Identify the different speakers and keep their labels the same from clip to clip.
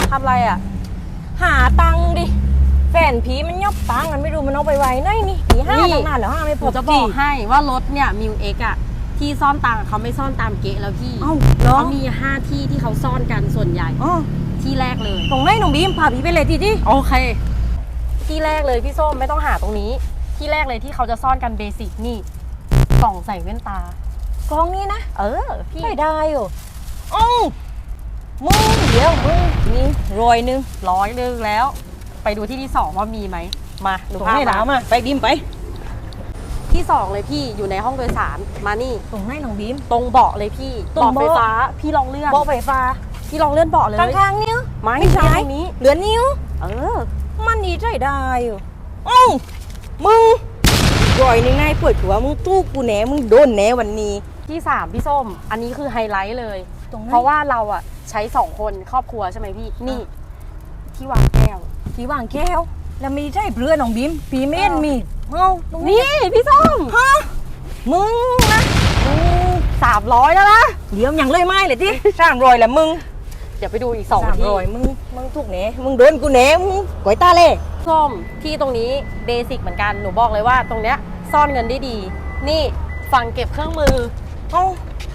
Speaker 1: ทำอะไรอ่ะ
Speaker 2: หาตังค์ดิแฟนผีมันยอบตังค์มันไม่รู้มันเอาไปไว้ไหนนี่ผีห้าตั้งนานแล้วห้าไม่
Speaker 1: ห
Speaker 2: พ
Speaker 1: นู
Speaker 2: บ
Speaker 1: จะบอกให้ว่ารถเนี่ยมิวเอ็กอะที่ซ่อนตังค์เขาไม่ซ่อนตามเก๊ะแล้วพี่
Speaker 2: เอ้าเหรอ
Speaker 1: เขามี5ที่ที่เขาซ่อนกันส่วนใหญ่
Speaker 2: อ๋อ
Speaker 1: ที่แรกเลย
Speaker 2: ตรงไหนน้องบีมพาผีไปเลยทีที่
Speaker 1: โอเค ที่แรกเลยพี่ส้มไม่ต้องหาตรงนี้ ที่แรกเลยที่เขาจะซ่อนกันเบสิกนี่กล่องใส่แว่นตาก
Speaker 2: องนี้นะ
Speaker 1: พี่
Speaker 2: ไม่ได้อยู่อ้าวมึงเดี๋ยวมึงนี่100
Speaker 1: 100แล้ว ไปดูที่ที่2ว่ามีไหมมาหนู
Speaker 2: ตรง
Speaker 1: พา
Speaker 2: ไหน
Speaker 1: มา
Speaker 2: ถามมาไปบีมไป
Speaker 1: ที่2เลยพี่อยู่ในห้องโดยสารมานี่
Speaker 2: ตรงไหนน้องบีม
Speaker 1: ตรงเบาะเลยพี่
Speaker 2: ตรง
Speaker 1: เบาะ
Speaker 2: เบาะ
Speaker 1: ไฟฟ้าพี่ลองเลื่อน
Speaker 2: เบาะไฟฟ้า
Speaker 1: พี่ลองเลื่อนเบาะเลย
Speaker 2: ข้างๆนิ้ว
Speaker 1: ไม่
Speaker 2: ไม่
Speaker 1: ใช่
Speaker 2: ใช่
Speaker 1: ตรงนี้
Speaker 2: เหลือนิ้ว มันดีใจได้อยู่อ้าวมึง100นายปวดหัวมึงตู้กูแหนมึงโดนแหนวันนี้
Speaker 1: ที่3พี่ส้มอันนี้คือไฮไลท์เลย
Speaker 2: ตรงไหน
Speaker 1: เพราะว่าเราอะใช้2คนครอบครัวใช่ไหมพี่นี่ที่วางแก้ว
Speaker 2: ผีวางแก้วแล้วมีใช่เพื่อนน้องบีมผีเม่นมีเอ้าตรงนี้
Speaker 1: นี่พี่ส้ม
Speaker 2: ฮะมึงนะมึง
Speaker 1: 300แล้วนะ
Speaker 2: เดี๋ยวยังเลยไม่เลยที่300แหละมึง
Speaker 1: เดี๋ยวไปดูอีก2ที่
Speaker 2: 300มึงถูกแหนมึงโดนกูแหนมึงก๋วยตาเล่
Speaker 1: ส้มที่ตรงนี้เบสิกเหมือนกันหนูบอกเลยว่าตรงเนี้ยซ่อนเงินได้ดี นี่ฝั่งเก็บเครื่องมือ
Speaker 2: เอ้า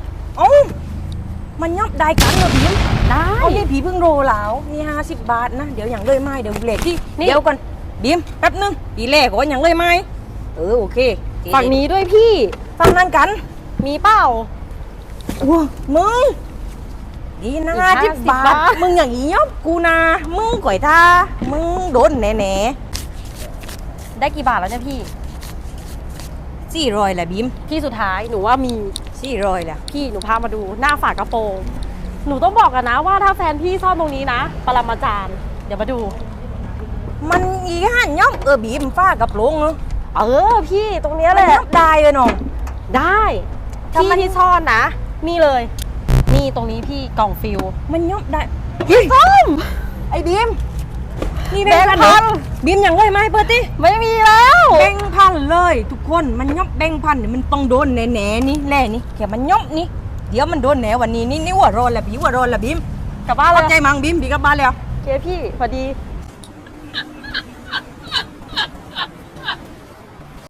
Speaker 2: มันยับได้กันเหรอบีม
Speaker 1: ได้
Speaker 2: เอานี่ผีเพิ่งโรแล้วนี่50 บาทนะเดี๋ยวยังเลยไม่เดี๋ยวเลทที่
Speaker 1: นี่
Speaker 2: เดี๋ยวก่อนบีมแป๊บนึงปีแรกก่อนยังเลยไม่โอเค
Speaker 1: ฝั่งนี้ด้วยพี่
Speaker 2: ฝั่งนั้นกัน
Speaker 1: มีเปล่า
Speaker 2: ว้ามึงดีนะ
Speaker 1: อีก
Speaker 2: 50
Speaker 1: 50
Speaker 2: บาท
Speaker 1: บาท
Speaker 2: มึงอย่างนี้ยบกูนะมึงก่อยท่ามึงโดนแหน่
Speaker 1: ได้กี่บาทแล้วเนี่ยพี่
Speaker 2: 400แหละบีม
Speaker 1: ที่สุดท้ายหนูว่ามี
Speaker 2: 400แหละ
Speaker 1: พี่หนูพามาดูหน้าฝากระโปรง หนูต้องบอกกันนะว่าถ้าแฟนพี่ซ่อนตรงนี้นะปรมาจารย์เดี๋ยวมาดู
Speaker 2: มันอีห่านย่อมบีมฟ้ากับโปรงเนอะ
Speaker 1: พี่ตรงเนี้ย
Speaker 2: มัน
Speaker 1: แหละ
Speaker 2: ยับได้เลยน้อง
Speaker 1: ได้
Speaker 2: ถ้า
Speaker 1: ที่
Speaker 2: มัน
Speaker 1: ที่ซ่อนนะนี่เลย นี่ตรงนี้พี่กล่องฟิล
Speaker 2: มันย่อมได้
Speaker 1: ส้ม
Speaker 2: ไอ้บีมนี่
Speaker 1: แบ
Speaker 2: แบ
Speaker 1: ง
Speaker 2: ง
Speaker 1: ค์
Speaker 2: ค์
Speaker 1: พั
Speaker 2: พั
Speaker 1: น
Speaker 2: นบีมอย่างเลยไหมเปิดติ
Speaker 1: ไม่มีแล้ว
Speaker 2: แบงค์พันเลยทุกคนมันย่อมแบงค์พันเนี่ยมันต้องโดนแหน่ๆนี่แหล่นี่แค่มันย่อมนี่เดี๋ยวมันโดนแหน่วันนี้นี่หัวร้อนแหละบีหัวร้อนแหละบีม
Speaker 1: กลับบ้านเล
Speaker 2: เข้าย ใจมั้งบีมบีกลับบ้านแล้ว
Speaker 1: โอเคพี่พอดี